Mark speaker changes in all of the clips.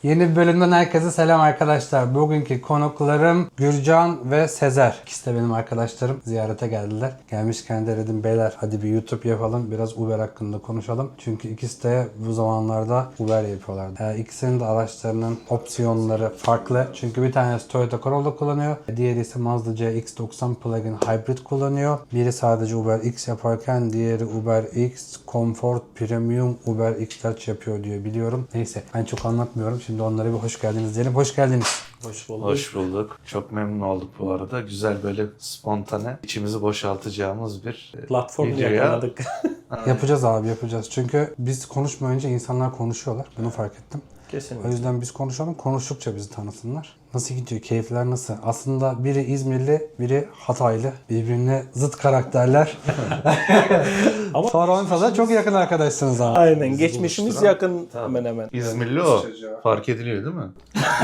Speaker 1: Yeni bir bölümden herkese selam arkadaşlar. Bugünkü konuklarım Gürcan ve Sezer. İkisi de benim arkadaşlarım. Ziyarete geldiler. Gelmişken de dedim beyler hadi bir YouTube yapalım. Biraz Uber hakkında konuşalım. Çünkü ikisi de bu zamanlarda Uber yapıyorlar. İkisinin de araçlarının opsiyonları farklı. Çünkü bir tanesi Toyota Corolla kullanıyor. Diğeri ise Mazda CX-90 plug-in hybrid kullanıyor. Biri sadece Uber X yaparken diğeri Uber X Comfort Premium Uber X Large yapıyor diyor biliyorum. Neyse ben çok anlatmıyorum. Şimdi onlara bir hoş geldiniz diyelim. Hoş geldiniz.
Speaker 2: Hoş bulduk.
Speaker 3: Hoş bulduk. Çok memnun olduk bu arada. Güzel böyle spontane, içimizi boşaltacağımız bir
Speaker 2: Platform
Speaker 3: videoya.
Speaker 2: yakaladık.
Speaker 1: Yapacağız abi yapacağız. Çünkü biz konuşmayınca insanlar konuşuyorlar. Bunu fark ettim. O
Speaker 2: Kesinlikle.
Speaker 1: yüzden biz konuşalım. Konuştukça bizi tanısınlar. Nasıl gidiyor? Keyifler nasıl? Aslında biri İzmirli, biri Hataylı. Birbirine zıt karakterler.
Speaker 2: Ama
Speaker 1: Toronto'da da çok yakın arkadaşsınız abi.
Speaker 2: aynen geçmişimiz
Speaker 3: buluşturan-
Speaker 2: yakın hemen hemen.
Speaker 3: İzmirli o. Fark ediliyor değil mi?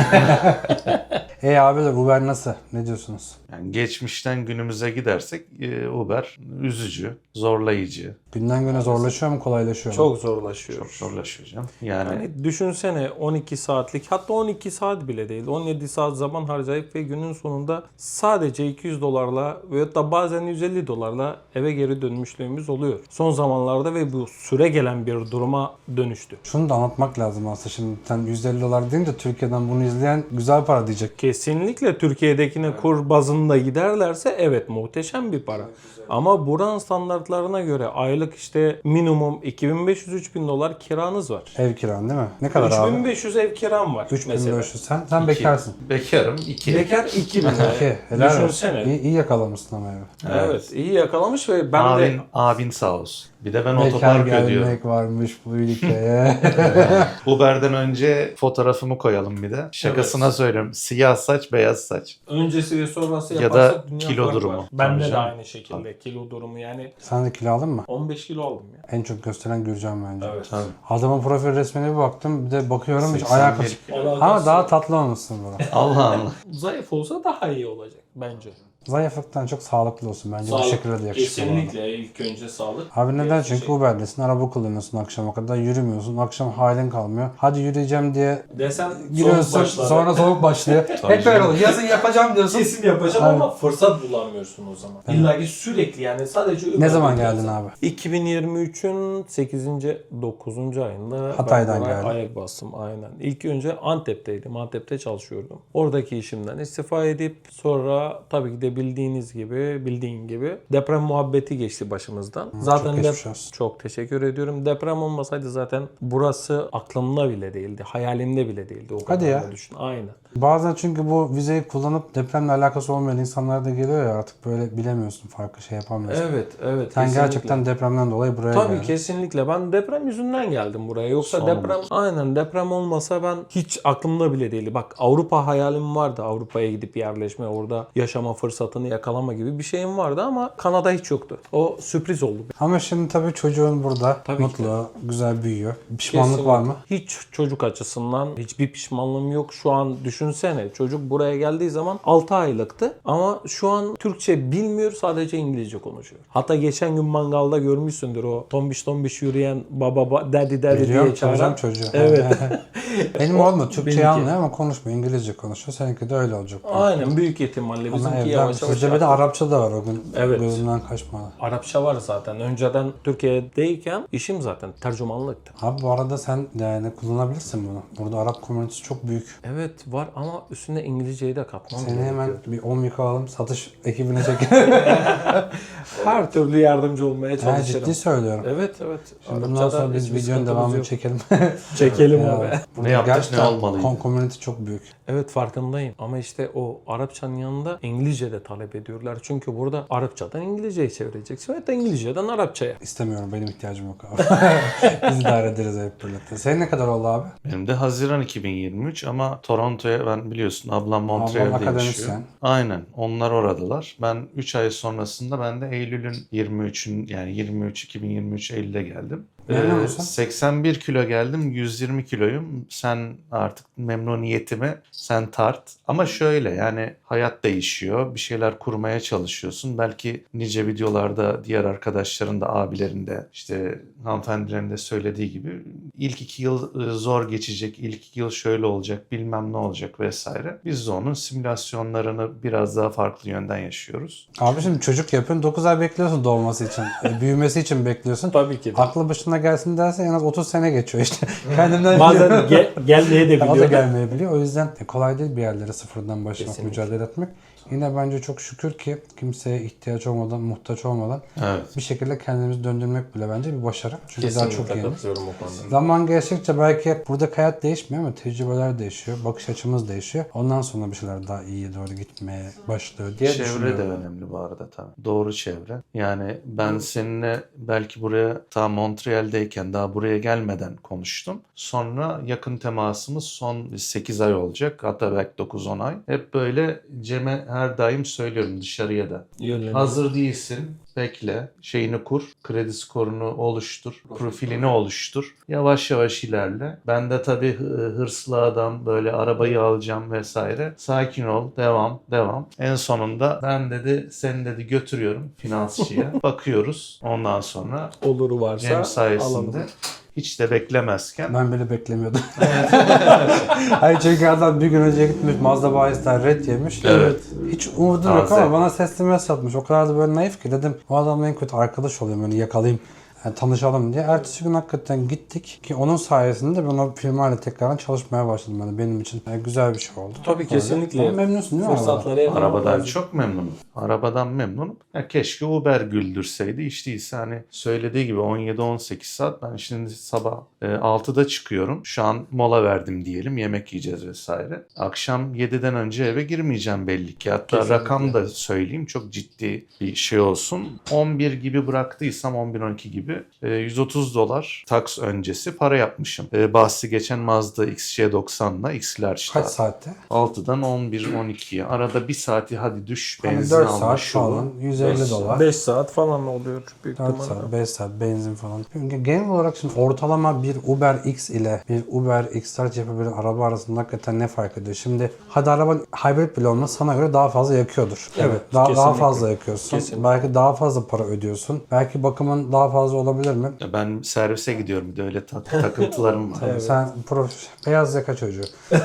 Speaker 1: Abiler Uber nasıl? Ne diyorsunuz?
Speaker 3: Yani geçmişten günümüze gidersek Uber üzücü, zorlayıcı.
Speaker 1: Günden güne zorlaşıyor mu, kolaylaşıyor mu?
Speaker 2: Çok zorlaşıyor.
Speaker 3: Çok zorlaşıyor canım. Yani
Speaker 2: Yani düşünsene 12 saatlik hatta 12 saat bile değil 17 saat zaman harcayıp ve günün sonunda sadece $200 veyahut da bazen $150 eve geri dönmüşlüğümüz oluyor. Son zamanlarda ve bu süre gelen bir duruma dönüştü.
Speaker 1: Şunu da anlatmak lazım aslında. Şimdi sen $150 deyince Türkiye'den bunu izleyen güzel para diyecek.
Speaker 2: Kesinlikle Türkiye'dekine kur bazında giderlerse evet muhteşem bir para. Ama buranın standartlarına göre aylık işte minimum $2500-$3000 kiranız var.
Speaker 1: Ev kiran değil mi? Ne kadar abi?
Speaker 2: 3500 ev kiram var mesela.
Speaker 1: 3500. Sen bekarsın.
Speaker 3: bekarım, 2.
Speaker 2: Bekar 2000
Speaker 1: Okey. Helal olsun.
Speaker 2: Düşünsene.
Speaker 1: İyi yakalamışsın ama evi.
Speaker 2: Evet iyi yakalamış ve ben de
Speaker 3: Abin sağ olsun. Bir de ben
Speaker 1: Bekar
Speaker 3: otopark ödüyorum.
Speaker 1: gelmek varmış bu ülkeye.
Speaker 3: Uber'den önce fotoğrafımı koyalım bir de. Şakasına söylüyorum. Siyah saç, beyaz saç.
Speaker 2: öncesi ve sonrası
Speaker 3: Ya
Speaker 2: yaparsak
Speaker 3: da
Speaker 2: dünya
Speaker 3: kilo
Speaker 2: farkı
Speaker 3: durumu.
Speaker 2: var. Bende
Speaker 3: Tabii
Speaker 2: de
Speaker 3: canım.
Speaker 2: aynı şekilde kilo durumu yani
Speaker 1: Sen de kilo aldın mı?
Speaker 2: 15 kilo aldım ya.
Speaker 1: En çok gösteren Gürcan bence.
Speaker 2: Evet.
Speaker 3: Tabii.
Speaker 1: Adamın profil resmine bir baktım. Bir de bakıyorum hiç
Speaker 3: 81.
Speaker 1: alakası. Ama daha tatlı olmuşsun burada.
Speaker 3: Allah Allah.
Speaker 2: Zayıf olsa daha iyi olacak bence.
Speaker 1: Zayıflıktan çok sağlıklı olsun. Bence bu
Speaker 2: Sağlık,
Speaker 1: şekilde de yakışıklı. bu arada.
Speaker 2: kesinlikle ilk önce sağlık.
Speaker 1: Abi neden?
Speaker 2: Gerisi
Speaker 1: Çünkü
Speaker 2: şey.
Speaker 1: Uber'desin. Araba kullanıyorsun akşama kadar. Yürümüyorsun. Akşam halin kalmıyor. Hadi yürüyeceğim diye
Speaker 2: Desen
Speaker 1: giriyorsun. Sonra soğuk başlıyor. Hep böyle
Speaker 2: canım.
Speaker 1: oluyor. Yazın yapacağım diyorsun.
Speaker 2: Kesin yapacağım
Speaker 1: Aynen.
Speaker 2: ama fırsat bulamıyorsun o zaman.
Speaker 1: Evet.
Speaker 2: İlla ki sürekli yani sadece
Speaker 1: Ne zaman geldin abi?
Speaker 2: 2023'ün 8. 9. ayında
Speaker 1: Hatay'dan
Speaker 2: ben buraya
Speaker 1: geldin.
Speaker 2: ayak bastım aynen. İlk önce Antep'teydim. Antep'te çalışıyordum. Oradaki işimden istifa edip sonra tabii ki de bildiğin gibi deprem muhabbeti geçti başımızdan.
Speaker 1: çok geçmiş olsun.
Speaker 2: Çok teşekkür ediyorum. Deprem olmasaydı zaten burası aklımda bile değildi. Hayalimde bile değildi. O
Speaker 1: Hadi
Speaker 2: kadar
Speaker 1: ya.
Speaker 2: da düşün. Aynen.
Speaker 1: Bazen çünkü bu vizeyi kullanıp depremle alakası olmayan insanlar da geliyor ya artık böyle bilemiyorsun farklı şey yapamıyorsun.
Speaker 2: Evet.
Speaker 1: Sen
Speaker 2: kesinlikle.
Speaker 1: gerçekten depremden dolayı buraya
Speaker 2: Tabii
Speaker 1: geldin.
Speaker 2: kesinlikle. Ben deprem yüzünden geldim buraya. Yoksa
Speaker 3: Son
Speaker 2: deprem
Speaker 3: umut.
Speaker 2: aynen deprem olmasa ben hiç aklımda bile değildi. Bak Avrupa hayalim vardı. Avrupa'ya gidip yerleşme, orada yaşama fırsatını yakalama gibi bir şeyim vardı ama Kanada hiç yoktu. O sürpriz oldu.
Speaker 1: Ama şimdi tabii çocuğun burada
Speaker 2: Tabii ki
Speaker 1: mutlu, güzel büyüyor. Pişmanlık var mı?
Speaker 2: Hiç çocuk açısından hiçbir pişmanlığım yok. Şu an düşünsene çocuk buraya geldiği zaman 6 aylıktı ama şu an Türkçe bilmiyor, sadece İngilizce konuşuyor. Hatta geçen gün mangalda görmüşsündür o tombiş yürüyen baba daddy
Speaker 1: Biliyorum,
Speaker 2: diye çağıran.
Speaker 1: tanıyacağım çocuğu.
Speaker 2: Evet.
Speaker 1: Benim oğlum da Türkçeyi
Speaker 2: benimki.
Speaker 1: anlıyor ama konuşmuyor. İngilizce konuşuyor. Seninki de öyle olacak.
Speaker 2: Aynen büyük ihtimalle
Speaker 1: Ama
Speaker 2: bizimki
Speaker 1: evden
Speaker 2: yavaş yavaş.
Speaker 1: sizde bir de Arapça da var o gün.
Speaker 2: Evet.
Speaker 1: Gözümden kaçmadı.
Speaker 2: Arapça var zaten. Önceden Türkiye'deyken işim zaten tercümanlıktı.
Speaker 1: Abi bu arada sen yani kullanabilirsin bunu. Burada Arap komünitesi çok büyük.
Speaker 2: Evet var ama üstüne İngilizceyi de katmam
Speaker 1: Seni hemen
Speaker 2: gerekiyor.
Speaker 1: bir 10 yıka alalım satış ekibine çekelim.
Speaker 2: Her türlü yardımcı olmaya
Speaker 1: Ha,
Speaker 2: çalışırım.
Speaker 1: ciddi söylüyorum.
Speaker 2: Evet.
Speaker 1: Şimdi bundan
Speaker 2: Arapçada
Speaker 1: sonra biz
Speaker 2: hiçbir
Speaker 1: videonun
Speaker 2: sıkıntımız
Speaker 1: devamını
Speaker 2: yok.
Speaker 1: çekelim.
Speaker 2: Çekelim
Speaker 1: Ya,
Speaker 2: abi.
Speaker 1: burada
Speaker 3: Ne yaptık,
Speaker 1: gerçekten
Speaker 3: ne olmalıydı?
Speaker 1: community çok büyük.
Speaker 2: Evet farkındayım ama işte o Arapçanın yanında İngilizce de talep ediyorlar. Çünkü burada Arapçadan İngilizceyi çevireceksin ve de İngilizceden Arapçaya.
Speaker 1: İstemiyorum. Benim ihtiyacım yok abi. Biz idare ederiz hep birlikte. Senin ne kadar oldu abi?
Speaker 3: Benim de Haziran 2023 ama Toronto'ya ben biliyorsun ablam
Speaker 1: Ablam
Speaker 3: Montreal'de yaşıyor.
Speaker 1: akademisyen.
Speaker 3: Aynen. Onlar oradalar. Ben 3 ay sonrasında ben de Eylül'ün 23'ün yani 2023 Eylül'de geldim.
Speaker 1: Memnun musun?
Speaker 3: 81 kilo geldim, 120 kiloyum. Sen artık memnuniyetimi sen tart. Ama şöyle yani hayat değişiyor. Bir şeyler kurmaya çalışıyorsun. Belki nice videolarda diğer arkadaşların da abilerin de işte hanımefendilerin de söylediği gibi ilk 2 yıl zor geçecek. İlk 2 yıl şöyle olacak, bilmem ne olacak vesaire. Biz de onun simülasyonlarını biraz daha farklı yönden yaşıyoruz.
Speaker 1: Abi şimdi çocuk yapıyorsun 9 ay bekliyorsun doğması için. Büyümesi için bekliyorsun.
Speaker 2: Tabii ki de.
Speaker 1: Aklı başına gelsin derse en az 30 sene geçiyor işte. Kendimden
Speaker 2: Bazen gelmeye de
Speaker 1: o da
Speaker 2: biliyor.
Speaker 1: gelmeyebiliyor. O yüzden kolay değil bir yerlere sıfırdan başlamak,
Speaker 2: Kesinlikle.
Speaker 1: mücadele etmek. Yine bence çok şükür ki kimseye ihtiyaç olmadan, muhtaç olmadan
Speaker 3: Evet.
Speaker 1: bir şekilde kendimizi döndürmek bile bence bir başarı. Çünkü daha çok
Speaker 2: Kesinlikle
Speaker 1: yeni.
Speaker 2: katılıyorum o konuda.
Speaker 1: Zaman geçtikçe belki buradaki hayat değişmiyor ama tecrübeler değişiyor, bakış açımız değişiyor. Ondan sonra bir şeyler daha iyiye doğru gitmeye başlıyor diye
Speaker 3: Çevre de
Speaker 1: düşünüyorum.
Speaker 3: önemli bu arada tabii. Doğru çevre. Yani ben seninle belki buraya ta Montreal'deyken daha buraya gelmeden konuştum. Sonra yakın temasımız son 8 ay olacak. Hatta belki 9-10 ay. Hep böyle Cem'e her daim söylüyorum dışarıya da. Hazır değilsin. Bekle. Şeyini kur. Kredi skorunu oluştur. Profilini oluştur. Yavaş yavaş ilerle. Ben de tabii hırslı adam böyle arabayı alacağım vesaire. Sakin ol. Devam. Devam. En sonunda ben dedi seni dedi götürüyorum finansçıya. Bakıyoruz. Ondan sonra
Speaker 2: Oluru varsa
Speaker 3: Cem sayesinde
Speaker 2: alalım.
Speaker 3: hiç de beklemezken
Speaker 1: Ben bile beklemiyordum. Hayır çünkü adam bir gün önce gitmiş Mazda bayisinden red yemiş.
Speaker 3: Evet.
Speaker 1: Hiç umudum yok
Speaker 3: Taze.
Speaker 1: ama bana seslenme satmış. O kadar da böyle naif ki dedim o adamla en kötü arkadaş olayım böyle yakalayayım. Yani tanışalım diye. Ertesi gün hakikaten gittik ki onun sayesinde ben o firmayla tekrardan çalışmaya başladım. Yani benim için güzel bir şey oldu.
Speaker 2: Tabii
Speaker 1: Öyle.
Speaker 2: kesinlikle.
Speaker 1: Ama memnunsun değil mi?
Speaker 2: Fırsatları yakalamak
Speaker 3: arabadan
Speaker 2: lazım.
Speaker 3: çok memnunum. Arabadan memnunum. Ya keşke Uber güldürseydi. Hiç değilse hani söylediği gibi 17-18 saat. Ben şimdi sabah 6'da çıkıyorum. Şu an mola verdim diyelim. Yemek yiyeceğiz vesaire. Akşam 7'den önce eve girmeyeceğim belli ki. Hatta
Speaker 2: Kesinlikle.
Speaker 3: rakam da söyleyeyim. Çok ciddi bir şey olsun. 11 gibi bıraktıysam 11-12 gibi $130 tax öncesi para yapmışım. Bahsi geçen Mazda XC90'la X-Large'da.
Speaker 1: Kaç saatte?
Speaker 3: 6'dan 11-12'ye. Arada bir saati hadi düş
Speaker 1: Hani
Speaker 3: benzin
Speaker 1: 4
Speaker 3: alma
Speaker 1: saat
Speaker 3: şu bu.
Speaker 1: falan 150 dolar.
Speaker 2: 5 saat falan oluyor büyük
Speaker 1: 4
Speaker 2: ihtimalle.
Speaker 1: saat, 5 saat benzin falan. Çünkü genel olarak şimdi ortalama bir Uber X ile bir Uber X-Large yapabilen araba arasında hakikaten ne fark ediyor? Şimdi hadi araba hibrit bile olmasa sana göre daha fazla yakıyordur.
Speaker 2: Evet,
Speaker 1: Daha
Speaker 2: kesinlikle.
Speaker 1: fazla yakıyorsun.
Speaker 2: Kesinlikle.
Speaker 1: Belki daha fazla para ödüyorsun. Belki bakımın daha fazla olabilir mi?
Speaker 3: Ben servise gidiyorum bir de öyle takıntılarım var.
Speaker 1: Sen beyaz yaka çocuğu.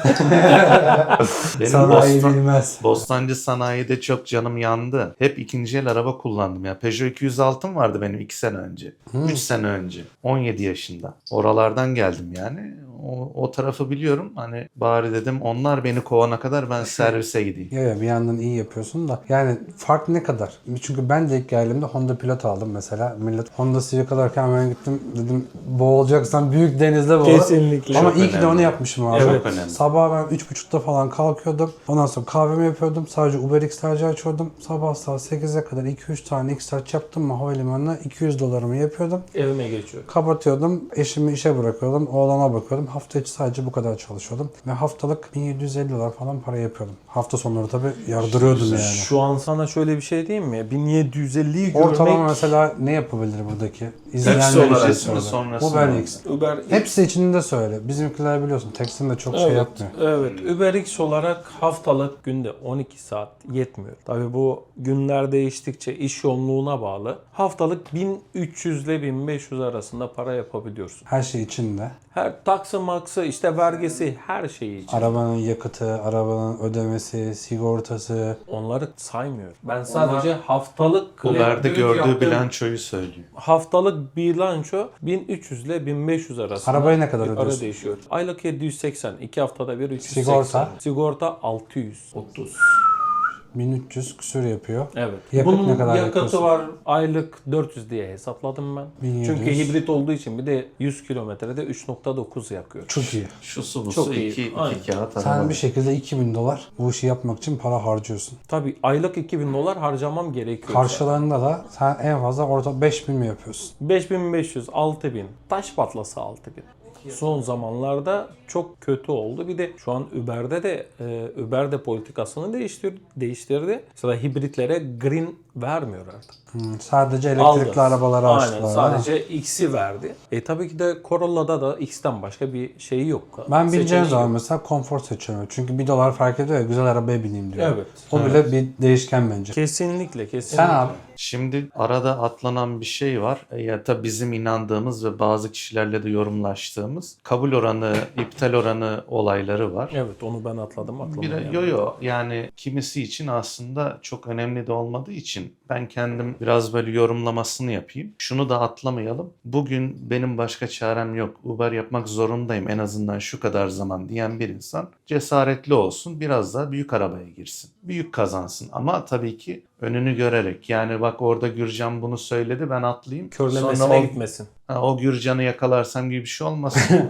Speaker 3: Benim
Speaker 1: Sanayi bilmez.
Speaker 3: Bostancı sanayide çok canım yandı. Hep ikinci el araba kullandım ya. Peugeot 206'm vardı benim 2 sene önce. 3 sene önce. 17 yaşında. Oralardan geldim yani. O tarafı biliyorum. Hani bari dedim onlar beni kovana kadar ben servise gideyim.
Speaker 1: Ya bir yandan iyi yapıyorsun da yani fark ne kadar? Çünkü ben de ilk geldiğimde Honda Pilot aldım mesela. Millet Honda Civic alırken ben gittim dedim boğulacaksan büyük denizde boğul.
Speaker 2: Kesinlikle.
Speaker 1: Ama
Speaker 3: Çok
Speaker 1: iyi ki de
Speaker 3: önemli.
Speaker 1: onu yapmışım abi.
Speaker 3: Evet. Çok önemli.
Speaker 1: Sabah ben 3.30'da falan kalkıyordum. Ondan sonra kahvemi yapıyordum. Sadece Uber X-Large açıyordum. Sabah saat 8'e kadar 2-3 tane X-Large yaptım mı havalimanına $200'ımı yapıyordum.
Speaker 2: Evime geçiyor.
Speaker 1: Kapatıyordum. Eşimi işe bırakıyordum. Oğlana bakıyordum. Hafta içi sadece bu kadar çalışıyordum. Ve haftalık $1750 falan para yapıyordum. Hafta sonları tabii yardırıyordum yani.
Speaker 2: Şu an sana şöyle bir şey diyeyim mi? 1750'yi
Speaker 1: Ortalama
Speaker 2: görmek
Speaker 1: mesela ne yapabilir buradaki?
Speaker 3: Hepsi
Speaker 1: İzleyenler
Speaker 3: olarak
Speaker 1: için
Speaker 3: mı,
Speaker 1: söyle.
Speaker 3: sonrası
Speaker 1: Uber
Speaker 3: mı?
Speaker 1: X.
Speaker 2: Uber
Speaker 1: Hepsi içinde söyle. Bizimkiler biliyorsun tekstin de çok şey
Speaker 2: Evet,
Speaker 1: yapmıyor.
Speaker 2: evet. Uber X olarak haftalık günde 12 saat yetmiyor. Tabii bu günler değiştikçe iş yoğunluğuna bağlı. Haftalık 1300 ile 1500 arasında para yapabiliyorsun.
Speaker 1: Her şey içinde.
Speaker 2: Her taksı maksı işte vergisi her şeyi için.
Speaker 1: Arabanın yakıtı, arabanın ödemesi, sigortası.
Speaker 2: Onları saymıyorum. Ben sadece haftalık
Speaker 3: Uber'de gördüğü
Speaker 2: yaptığım
Speaker 3: bilançoyu söylüyor.
Speaker 2: haftalık bilanço 1300 ile 1500 arasında.
Speaker 1: Arabayı ne kadar
Speaker 2: bir
Speaker 1: ödüyorsun?
Speaker 2: Para değişiyor. Aylık 780, 2 haftada bir 380.
Speaker 1: Sigorta?
Speaker 2: Sigorta 630.
Speaker 1: 1300 küsür yapıyor.
Speaker 2: Evet.
Speaker 1: Yakıt
Speaker 2: Bunun
Speaker 1: ne kadar
Speaker 2: yakıtı
Speaker 1: yakıyorsun?
Speaker 2: var aylık 400 diye hesapladım ben.
Speaker 1: 1700.
Speaker 2: Çünkü hibrit olduğu için bir de 100 kilometrede 3.9 yakıyor.
Speaker 1: Çok iyi.
Speaker 3: Şu su bu
Speaker 2: Çok
Speaker 3: su
Speaker 2: iyi.
Speaker 3: 2
Speaker 2: Aynen.
Speaker 3: kağıt araba.
Speaker 1: Sen bir şekilde $2000 bu işi yapmak için para harcıyorsun.
Speaker 2: Tabii aylık $2000 harcamam gerekiyor.
Speaker 1: Karşılığında da sen en fazla orta 5000 mi yapıyorsun?
Speaker 2: 5500, 6000. Taş patlasa 6000. Son zamanlarda çok kötü oldu. Bir de şu an Uber'de de politikasını değiştirdi. Mesela hibritlere green vermiyor artık.
Speaker 1: Sadece elektrikli
Speaker 2: Aldı.
Speaker 1: arabaları
Speaker 2: Aynen,
Speaker 1: açtılar.
Speaker 2: sadece X'i verdi. Tabii ki de Corolla'da da X'ten başka bir şeyi yok.
Speaker 1: Ben bineceğim
Speaker 2: Seçeneği
Speaker 1: zaman
Speaker 2: yok.
Speaker 1: mesela konfor seçiyorum. Çünkü $1 fark ediyor ya, güzel arabaya bineyim diyor.
Speaker 2: Evet.
Speaker 1: O bile bir değişken bence.
Speaker 2: Kesinlikle.
Speaker 1: Sen abi?
Speaker 3: Şimdi arada atlanan bir şey var. Ya da bizim inandığımız ve bazı kişilerle de yorumlaştığımız kabul oranı, iptal oranı olayları var.
Speaker 2: Evet, onu ben atladım.
Speaker 3: Yo yani kimisi için aslında çok önemli de olmadığı için ben kendim biraz böyle yorumlamasını yapayım. Şunu da atlamayalım. Bugün benim başka çarem yok. Uber yapmak zorundayım en azından şu kadar zaman diyen bir insan cesaretli olsun. Biraz daha büyük arabaya girsin. Büyük kazansın. Ama tabii ki önünü görerek. Yani bak orada Gürcan bunu söyledi, ben atlayayım.
Speaker 2: Körlemesine gitmesin.
Speaker 3: O Gürcan'ı yakalarsam gibi bir şey olmasın.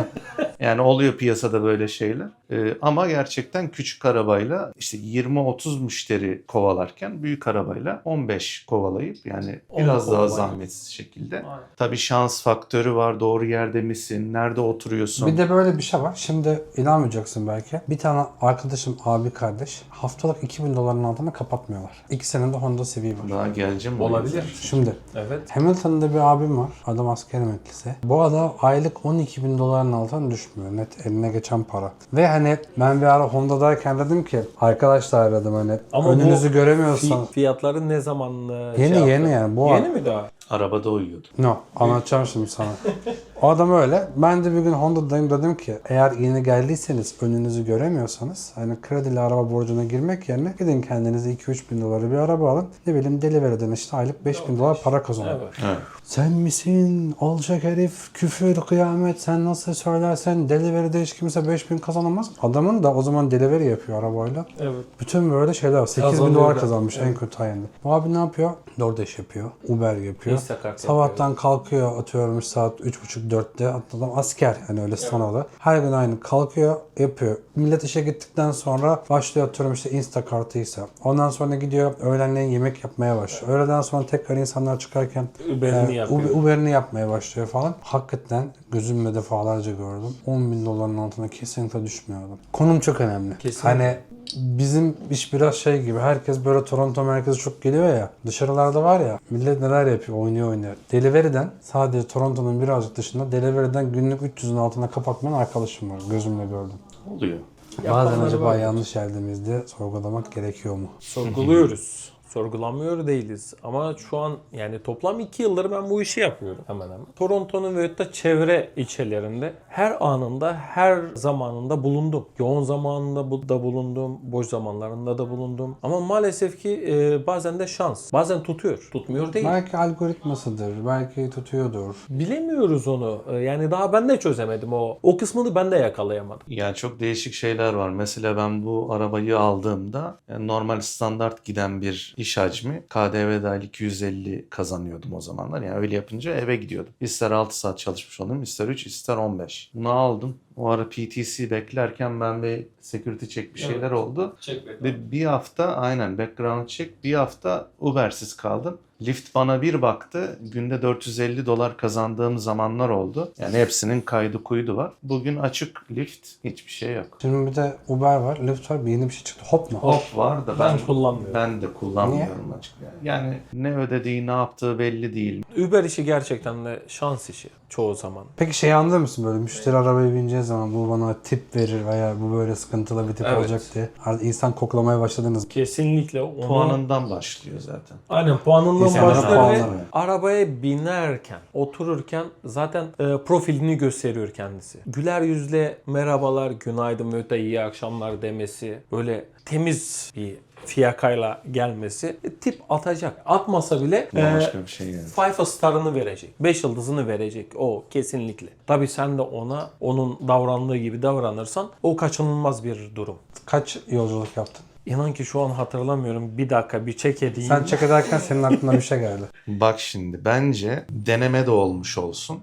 Speaker 3: Yani oluyor piyasada böyle şeyler. Ama gerçekten küçük arabayla işte 20-30 müşteri kovalarken büyük arabayla 15 kovalayıp yani biraz daha zahmetsiz şekilde.
Speaker 2: Aynen.
Speaker 3: Tabii şans faktörü var. Doğru yerde misin? Nerede oturuyorsun?
Speaker 1: Bir de böyle bir şey var. Şimdi inanmayacaksın belki. Bir tane arkadaşım, abi kardeş, haftalık $2.000 altına kapatmıyorlar. İkisinin de Honda Civic var.
Speaker 3: Daha geleceğim.
Speaker 2: Olabilir.
Speaker 1: Şimdi
Speaker 2: Evet.
Speaker 1: Hamilton'da bir abim var. Adam asker emeklisi. Bu adam aylık $12.000 altına düşmüyor. Net eline geçen para. Ve hani ben bir ara Honda'dayken dedim ki arkadaşlar dedim hani
Speaker 2: Ama
Speaker 1: önünüzü
Speaker 2: bu
Speaker 1: göremiyorsan.
Speaker 2: Fiyatları ne zaman
Speaker 1: Yeni yani bu
Speaker 2: Yeni mi daha?
Speaker 3: Arabada uyuyordu.
Speaker 1: No, anlatacağım şimdi sana. O adam öyle. Ben de bir gün Honda'dayım, dedim ki eğer yeni geldiyseniz önünüzü göremiyorsanız hani kredili araba borcuna girmek yerine gidin kendinize $2-3 bin bir araba alın. Ne bileyim Delivery'den işte aylık $5.000 para kazanın.
Speaker 2: Evet.
Speaker 3: Evet.
Speaker 1: Sen misin? Alçak herif, küfür, kıyamet, sen nasıl söylersen Delivery'de hiç kimse $5.000 kazanamaz. Adamın da o zaman Delivery yapıyor arabayla.
Speaker 2: Evet.
Speaker 1: Bütün böyle şeyler var. $8.000
Speaker 2: Kazanıyor da.
Speaker 1: kazanmış en kötü ayında. Bu abi ne yapıyor? DoorDash yapıyor, Uber yapıyor.
Speaker 2: Instacart
Speaker 1: Sabahtan kalkıyor, atıyorum saat 3.30-4'te. Adam asker yani öyle sanalı. Her gün aynı kalkıyor, yapıyor. Millet işe gittikten sonra başlıyor, atıyorum işte Instacart'ıysa. Ondan sonra gidiyor öğlenleyin yemek yapmaya başlıyor. Öğleden sonra tekrar insanlar çıkarken
Speaker 2: Uber'ini yapıyor.
Speaker 1: Uber'ini yapmaya başlıyor falan. Hakikaten gözümle defalarca gördüm. $10.000 altına kesinlikle düşmüyor adam. Konum çok önemli.
Speaker 2: Kesinlikle.
Speaker 1: Hani bizim iş biraz şey gibi. Herkes böyle Toronto merkezi çok geliyor ya. Dışarılarda var ya. Millet neler yapıyor? Oynuyor. Delivery'den sadece Toronto'nun birazcık dışında Delivery'den günlük 300'ün altına kapatmayan arkadaşım var. Gözümle gördüm.
Speaker 3: Oluyor.
Speaker 1: Bazen
Speaker 2: Yapanları
Speaker 1: acaba
Speaker 2: var.
Speaker 1: yanlış yerde miyiz diye sorgulamak gerekiyor mu?
Speaker 2: Sorguluyoruz. Sorgulamıyor değiliz. Ama şu an yani toplam 2 yıldır ben bu işi yapıyorum hemen hemen. Toronto'nun ve hatta çevre ilçelerinde her anında, her zamanında bulundum. Yoğun zamanında da bulundum, boş zamanlarında da bulundum. Ama maalesef ki bazen de şans. Bazen tutuyor. Tutmuyor değil.
Speaker 1: Belki algoritmasıdır. Belki tutuyordur.
Speaker 2: Bilemiyoruz onu. Yani daha ben de çözemedim o. O kısmını ben de yakalayamadım.
Speaker 3: Yani çok değişik şeyler var. Mesela ben bu arabayı aldığımda yani normal standart giden bir iş hacmi KDV dahil 250 kazanıyordum o zamanlar. Yani öyle yapınca eve gidiyordum. İster 6 saat çalışmış olayım, ister 3, ister 15. Bunu aldım. O ara PTC beklerken ben bir security check bir şeyler oldu. Ve bir hafta aynen background check, bir hafta Uber'siz kaldım. Lyft bana bir baktı. Günde $450 kazandığım zamanlar oldu. Yani hepsinin kaydı kuydu var. Bugün açık Lyft, hiçbir şey yok.
Speaker 1: Şimdi bir de Uber var, Lyft var, bir yeni bir şey çıktı. Hop mu?
Speaker 3: Hop var da
Speaker 2: Ben kullanmıyorum.
Speaker 3: Ben de kullanmıyorum açıkçası. Yani ne ödediği, ne yaptığı belli değil.
Speaker 2: Uber işi gerçekten de şans işi çoğu zaman.
Speaker 1: Peki şey anlıyor musun, böyle müşteri arabaya bineceği zaman bu bana tip verir veya bu böyle sıkıntılı bir tip
Speaker 2: Evet.
Speaker 1: olacak diye. Artık insan koklamaya başladınız.
Speaker 2: Kesinlikle onu...
Speaker 3: Puanından başlıyor zaten.
Speaker 2: Aynen puanından
Speaker 1: İnsanların
Speaker 2: başlıyor ve
Speaker 1: puanları.
Speaker 2: arabaya binerken, otururken zaten profilini gösteriyor kendisi. Güler yüzle merhabalar, günaydın ve da iyi akşamlar demesi, böyle temiz bir fiyakayla gelmesi tip atacak. Atmasa bile
Speaker 3: Başka bir şey yani.
Speaker 2: 5 star'ını verecek. 5 yıldızını verecek. O kesinlikle. Tabii sen de ona onun davrandığı gibi davranırsan o kaçınılmaz bir durum.
Speaker 1: Kaç yolculuk yaptın?
Speaker 2: İnan ki şu an hatırlamıyorum. Bir dakika bir check edeyim.
Speaker 1: Sen check ederken senin aklına bir şey geldi.
Speaker 3: Bak şimdi bence deneme de olmuş olsun.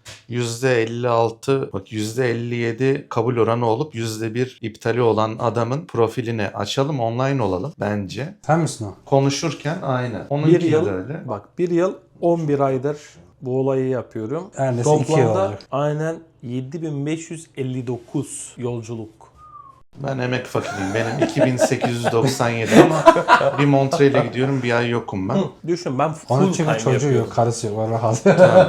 Speaker 3: %56, bak %57 kabul oranı olup %1 iptali olan adamın profilini açalım, online olalım bence.
Speaker 1: Sen misin o?
Speaker 3: Konuşurken aynen.
Speaker 2: bir
Speaker 3: Onunki
Speaker 2: yıl,
Speaker 3: de öyle.
Speaker 2: bak bir yıl 11 aydır bu olayı yapıyorum.
Speaker 1: Neredeyse 2 yıl
Speaker 2: Toplamda
Speaker 1: olacak.
Speaker 2: aynen 7559 yolculuk.
Speaker 3: Ben emek fakiriyim. Benim 2897 ama bir Montreal'e gidiyorum, bir ay yokum ben.
Speaker 2: Düşün ben
Speaker 1: Onun
Speaker 2: full
Speaker 1: için
Speaker 2: time
Speaker 1: bir çocuğu
Speaker 2: yapıyorum.
Speaker 1: yok, karısı yok. O rahat.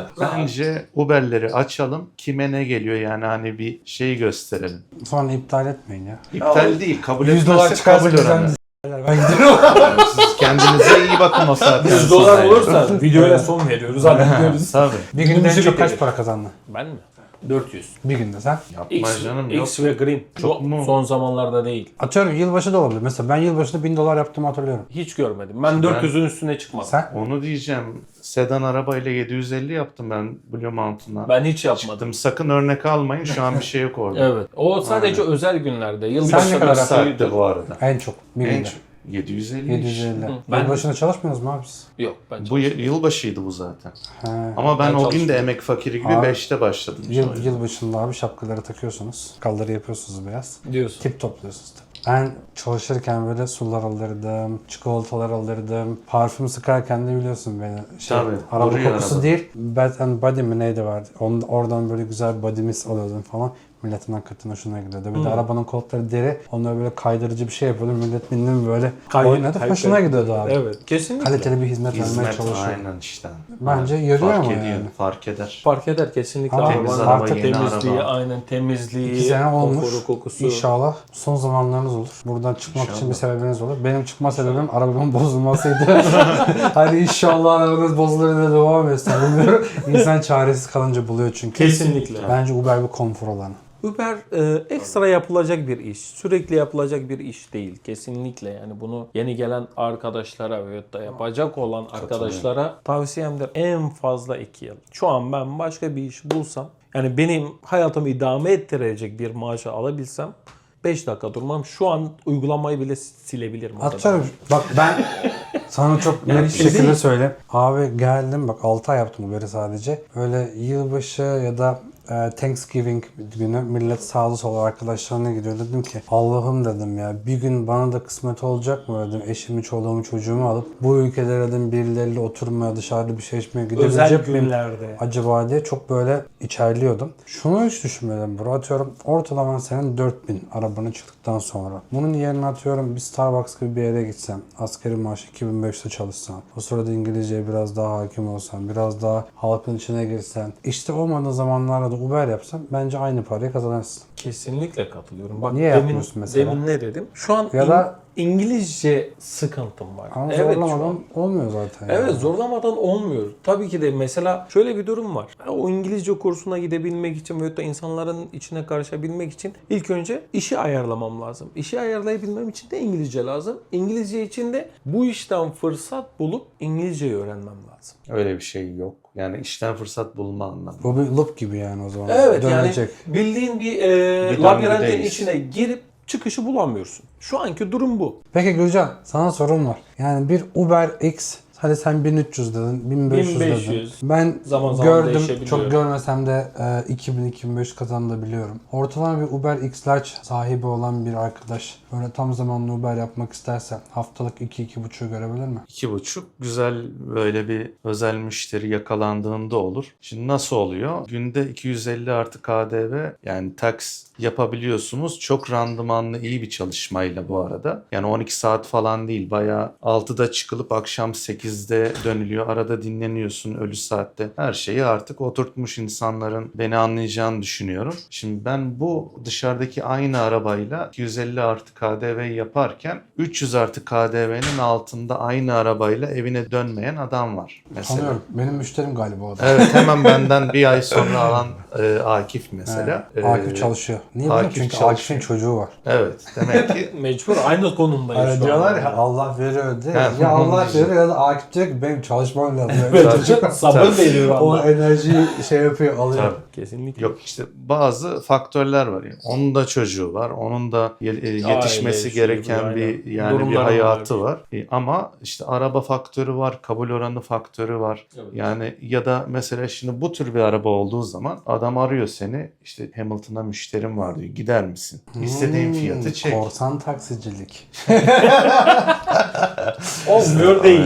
Speaker 3: Bence Uber'leri açalım. Kime ne geliyor yani, hani bir şey gösterelim.
Speaker 1: Sonra iptal etmeyin ya.
Speaker 3: İptal değil, kabul
Speaker 1: 100 dolar
Speaker 3: etmezse
Speaker 1: çıkarsa
Speaker 3: kabul
Speaker 1: bizden
Speaker 3: oranı.
Speaker 1: ben gidiyorum.
Speaker 3: Siz kendinize iyi bakın o saatten
Speaker 2: 100
Speaker 3: sonra
Speaker 2: dolar
Speaker 3: yani.
Speaker 2: olursa videoya son veriyoruz. Hadi gidiyoruz.
Speaker 3: Tabii.
Speaker 1: Bir günde en
Speaker 2: Bizi
Speaker 1: çok kaç
Speaker 2: bitirir.
Speaker 1: para kazandın?
Speaker 2: Ben mi? 400.
Speaker 1: Bir günde sen?
Speaker 3: Yapma
Speaker 2: X,
Speaker 3: canım, yok.
Speaker 2: X ve Green.
Speaker 3: Çok
Speaker 2: Çok
Speaker 3: mu?
Speaker 2: son zamanlarda değil.
Speaker 1: Atıyorum yılbaşı da olabilir. Mesela ben yılbaşında 1000 dolar yaptığımı hatırlıyorum.
Speaker 2: Hiç görmedim. Ben 400'ün üstüne çıkmadım.
Speaker 1: Sen?
Speaker 3: Onu diyeceğim. Sedan arabayla 750 yaptım ben Blue Mountain'a.
Speaker 2: Ben hiç yapmadım.
Speaker 3: Çıktım. Sakın örnek almayın. Şu an bir şey yok orada.
Speaker 2: Evet. O sadece özel günlerde.
Speaker 1: Sen
Speaker 2: Yılbaşı
Speaker 1: ne kadar
Speaker 3: Bir saatte bu arada.
Speaker 1: En çok. Bir
Speaker 3: En
Speaker 1: günde.
Speaker 3: çok 750
Speaker 1: 750.
Speaker 2: Ben-
Speaker 1: Yılbaşında çalışmıyoruz mu abi biz?
Speaker 2: Yok ben
Speaker 3: Bu yılbaşıydı bu zaten.
Speaker 1: He.
Speaker 3: Ama ben
Speaker 2: Ben
Speaker 3: o gün de
Speaker 2: çalışmıyorum.
Speaker 3: emek fakiri gibi
Speaker 1: Abi,
Speaker 3: 5'te başladım.
Speaker 1: Yılbaşında abi şapkaları takıyorsunuz. Kalları yapıyorsunuz beyaz.
Speaker 2: diyorsun.
Speaker 1: Tip topluyorsunuz tabii. Ben çalışırken böyle sular alırdım, çikolatalar alırdım. Parfüm sıkarken de biliyorsun beni.
Speaker 3: Tabii,
Speaker 1: Araba
Speaker 3: vuruyor
Speaker 1: kokusu
Speaker 3: araba.
Speaker 1: değil. Bath and Body mi neydi vardı. Oradan böyle güzel body mist alıyordum falan. Milletin hakikaten hoşuna gidiyordu. Bir de arabanın koltukları deri. Onları böyle kaydırıcı bir şey yapıyordum. Millet bindim böyle oynadı. Hoşuna gidiyordu abi.
Speaker 2: Evet. Kesinlikle.
Speaker 1: Kaliteli bir hizmet vermeye
Speaker 3: Hizmet
Speaker 1: çalışıyor.
Speaker 3: aynen işte.
Speaker 1: Bence yarıyor
Speaker 3: fark
Speaker 1: ama
Speaker 3: ediyor,
Speaker 1: yani.
Speaker 3: Fark eder.
Speaker 2: Fark eder kesinlikle.
Speaker 1: Ama
Speaker 2: Arabanın
Speaker 3: temiz araba,
Speaker 2: artık
Speaker 3: yeni
Speaker 2: temizliği,
Speaker 3: araba.
Speaker 2: aynen temizliği,
Speaker 1: 2 sene olmuş.
Speaker 2: konforu, kokusu.
Speaker 1: İnşallah son zamanlarınız olur. Buradan çıkmak için bir
Speaker 3: İnşallah.
Speaker 1: sebebiniz olur. Benim çıkma sebebim arabamın bozulmasıydı. Hani inşallah arabanız bozulur diye devam etsin. Bilmiyorum. İnsan çaresiz kalınca buluyor çünkü.
Speaker 2: Kesinlikle.
Speaker 1: Bence Uber bir konfor alanı.
Speaker 2: Uber ekstra yapılacak bir iş. Sürekli yapılacak bir iş değil. Kesinlikle yani bunu yeni gelen arkadaşlara veyahut da yapacak olan arkadaşlara tavsiyemdir. En fazla 2 yıl. Şu an ben başka bir iş bulsam, yani benim hayatımı idame ettirecek bir maaşı alabilsem 5 dakika durmam. Şu an uygulamayı bile silebilirim. o kadar.
Speaker 1: Atıyorum. Bak ben sana çok net bir
Speaker 2: şey
Speaker 1: şekilde
Speaker 2: değil.
Speaker 1: söyleyeyim. Abi geldim bak 6 ay yaptım Uber'i sadece. Öyle yılbaşı ya da Thanksgiving günü millet sağlı sollu arkadaşlarına gidiyor. Dedim ki Allah'ım dedim ya bir gün bana da kısmet olacak mı dedim. Eşimi, çoluğumu, çocuğumu alıp bu ülkede dedim birileriyle oturmaya, dışarıda bir şey içmeye
Speaker 2: Özel
Speaker 1: gidebilecek miyim
Speaker 2: günlerde.
Speaker 1: acaba diye çok böyle içerliyordum. Şunu hiç düşünmedim bro. Atıyorum ortalama senin 4000 arabanı çıktıktan sonra. Bunun yerine atıyorum bir Starbucks gibi bir yere gitsem. Asgari maaş 2500'te çalışsan. O sırada İngilizceye biraz daha hakim olsan. Biraz daha halkın içine girsen. İşte olmadığı zamanlarda da Uber yapsan bence aynı parayı kazanırsın.
Speaker 2: Kesinlikle katılıyorum. Bak
Speaker 1: Niye yapmıyorsun mesela?
Speaker 2: Demin ne dedim? Şu an
Speaker 1: Ya da-
Speaker 2: İngilizce sıkıntım var.
Speaker 1: Ama
Speaker 2: Evet, şu
Speaker 1: zorlamadan
Speaker 2: an-
Speaker 1: olmuyor zaten.
Speaker 2: Evet
Speaker 1: yani.
Speaker 2: zorlamadan olmuyor. Tabii ki de mesela şöyle bir durum var. O İngilizce kursuna gidebilmek için veyahut da insanların içine karışabilmek için ilk önce işi ayarlamam lazım. İşi ayarlayabilmem için de İngilizce lazım. İngilizce için de bu işten fırsat bulup İngilizceyi öğrenmem lazım.
Speaker 3: Öyle bir şey yok. Yani işten fırsat bulma anlamında.
Speaker 1: Bu bir loop gibi yani o zaman.
Speaker 2: Evet
Speaker 1: Dönecek.
Speaker 2: yani bildiğin bir
Speaker 3: Bir
Speaker 2: labirentin
Speaker 3: döngüdeyiz.
Speaker 2: içine girip çıkışı bulamıyorsun. Şu anki durum bu.
Speaker 1: Peki Gülcan sana sorum var. Yani bir Uber X hadi sen 1300 dedin, 1500 dedin.
Speaker 2: 1500.
Speaker 1: Ben
Speaker 2: Zaman zaman
Speaker 1: gördüm,
Speaker 2: değişebiliyor.
Speaker 1: çok görmesem de 2000-2500 kazanabiliyorum. Ortalama bir Uber X Large sahibi olan bir arkadaş böyle tam zamanlı Uber yapmak isterse haftalık 2-2,5 görebilir mi?
Speaker 3: 2,5 güzel böyle bir özel müşteri yakalandığında olur. Şimdi nasıl oluyor? Günde 250 artı KDV yani tax yapabiliyorsunuz. Çok randımanlı iyi bir çalışmayla bu arada. Yani 12 saat falan değil. Bayağı 6'da çıkılıp akşam 8'de dönülüyor. Arada dinleniyorsun ölü saatte. Her şeyi artık oturtmuş insanların beni anlayacağını düşünüyorum. Şimdi ben bu dışarıdaki aynı arabayla 250 artı KDV yaparken 300 artı KDV'nin altında aynı arabayla evine dönmeyen adam var mesela.
Speaker 1: Tanıyorum. Benim müşterim galiba o da.
Speaker 3: Evet hemen benden bir ay sonra alan Akif mesela.
Speaker 1: Akif çalışıyor. Niye biliyor musun?
Speaker 3: Akif
Speaker 1: Çünkü
Speaker 3: çalışıyor.
Speaker 1: Akif'in çocuğu var.
Speaker 3: Evet demek ki
Speaker 2: Mecbur aynı konumdayız şu an.
Speaker 1: Diyorlar ya Allah veriyor diye.
Speaker 3: Ha,
Speaker 1: Ya Allah
Speaker 3: işte.
Speaker 1: veriyor ya da Akif diyor ki benim çalışmam lazım.
Speaker 2: Evet, sabır veriyor
Speaker 1: O
Speaker 2: Allah.
Speaker 1: enerjiyi şey yapıyor, alıyor.
Speaker 3: tabii.
Speaker 2: Kesinlikle.
Speaker 3: Yok işte bazı faktörler var. Yani. Onun da çocuğu var. Onun da yetişmesi
Speaker 2: Aile,
Speaker 3: gereken
Speaker 2: şey,
Speaker 3: bir
Speaker 2: aynen.
Speaker 3: yani bir
Speaker 2: Durumları
Speaker 3: hayatı
Speaker 2: var.
Speaker 3: var. Ama işte araba faktörü var, kabul oranı faktörü var.
Speaker 2: Evet.
Speaker 3: Yani ya da mesela şimdi bu tür bir araba olduğu zaman adam arıyor seni. İşte Hamilton'a müşterim var diyor. Gider misin? İstediğin fiyatı çek.
Speaker 1: Korsan taksicilik.
Speaker 2: Olmuyor değil.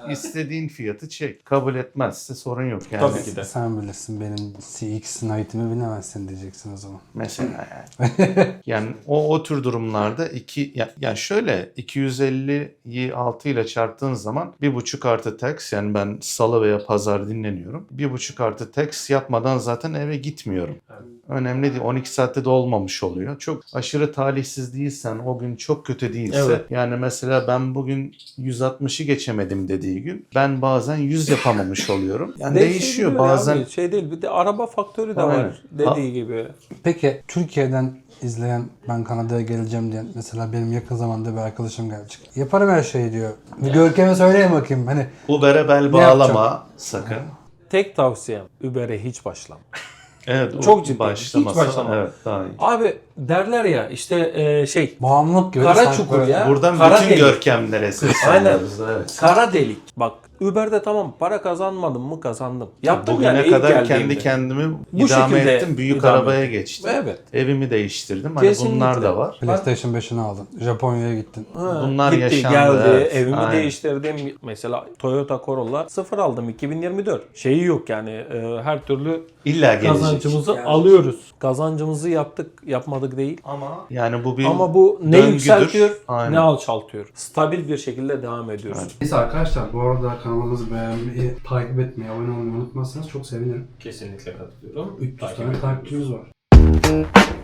Speaker 3: istediğin fiyatı çek. Kabul etmezse sorun yok yani.
Speaker 2: Tabii ki de.
Speaker 1: Sen bilirsin, benim CX Knight'imi bilemezsin diyeceksin o zaman.
Speaker 3: Mesela yani. Yani o tür durumlarda yani şöyle 250'yi 6 ile çarptığın zaman 1,5 artı tax, yani ben salı veya pazar dinleniyorum. 1,5 artı tax yapmadan zaten eve gitmiyorum. Önemli değil. 12 saatte de olmamış oluyor. Çok aşırı talihsiz değilsen, o gün çok kötü değilse.
Speaker 2: Evet.
Speaker 3: Yani mesela ben bugün 160'ı geçemedim dediği gün ben bazen 100 yapamamış oluyorum. Yani değişiyor bazen.
Speaker 2: Abi, şey değil, bir de araba faktörü de
Speaker 3: Aynen.
Speaker 2: var dediği gibi.
Speaker 1: Peki Türkiye'den izleyen, ben Kanada'ya geleceğim diyen, mesela benim yakın zamanda bir arkadaşım gelecek. Yaparım her şeyi diyor. Bir Görkem'e söyleyeyim bakayım. Hani
Speaker 3: Uber'e bel
Speaker 1: Ne
Speaker 3: bağlama sakın.
Speaker 2: Tek tavsiyem Uber'e hiç başlama.
Speaker 3: Evet,
Speaker 2: Çok ciddi.
Speaker 3: başlamasa,
Speaker 2: Hiç başlama.
Speaker 3: evet, daha iyi.
Speaker 2: Abi derler ya işte
Speaker 1: bağımlılık gibi.
Speaker 2: Kara
Speaker 1: sanki
Speaker 2: çukur
Speaker 1: böyle.
Speaker 2: ya.
Speaker 3: Buradan
Speaker 2: Kara
Speaker 3: bütün
Speaker 2: delik.
Speaker 3: görkemlere sesleniyoruz. Evet.
Speaker 2: kara delik. Bak Uber'de tamam, para kazanmadım mı kazandım. Yaptım
Speaker 3: Bugüne
Speaker 2: yani ilk
Speaker 3: kadar
Speaker 2: geldiğimde.
Speaker 3: kendi kendimi
Speaker 2: Bu
Speaker 3: idame
Speaker 2: şekilde
Speaker 3: ettim. Büyük
Speaker 2: idame
Speaker 3: arabaya
Speaker 2: ettim.
Speaker 3: geçtim.
Speaker 2: Evet.
Speaker 3: Evimi değiştirdim. Hani
Speaker 2: Kesinlikle.
Speaker 3: bunlar da var.
Speaker 1: PlayStation 5'ini aldın. Japonya'ya gittin.
Speaker 2: Ha,
Speaker 3: Bunlar
Speaker 2: gitti,
Speaker 3: yaşandı,
Speaker 2: geldi,
Speaker 3: evet.
Speaker 2: evimi
Speaker 3: Aynen.
Speaker 2: değiştirdim. Mesela Toyota Corolla 0 aldım 2024. Şeyi yok yani, her türlü
Speaker 3: İlla gelecek.
Speaker 2: kazancımızı alıyoruz. Kazancımızı yaptık, yapmadık değil.
Speaker 3: Yani bu bir
Speaker 2: Ama bu ne
Speaker 3: döngüdür.
Speaker 2: yükseltiyor,
Speaker 3: Aynen.
Speaker 2: ne alçaltıyor. Stabil bir şekilde devam ediyoruz.
Speaker 1: Neyse arkadaşlar, bu arada kanalımızı beğenmeyi, takip etmeyi, abone olmayı unutmazsanız çok sevinirim.
Speaker 2: Kesinlikle katılıyorum.
Speaker 1: 300 tane takipçimiz var.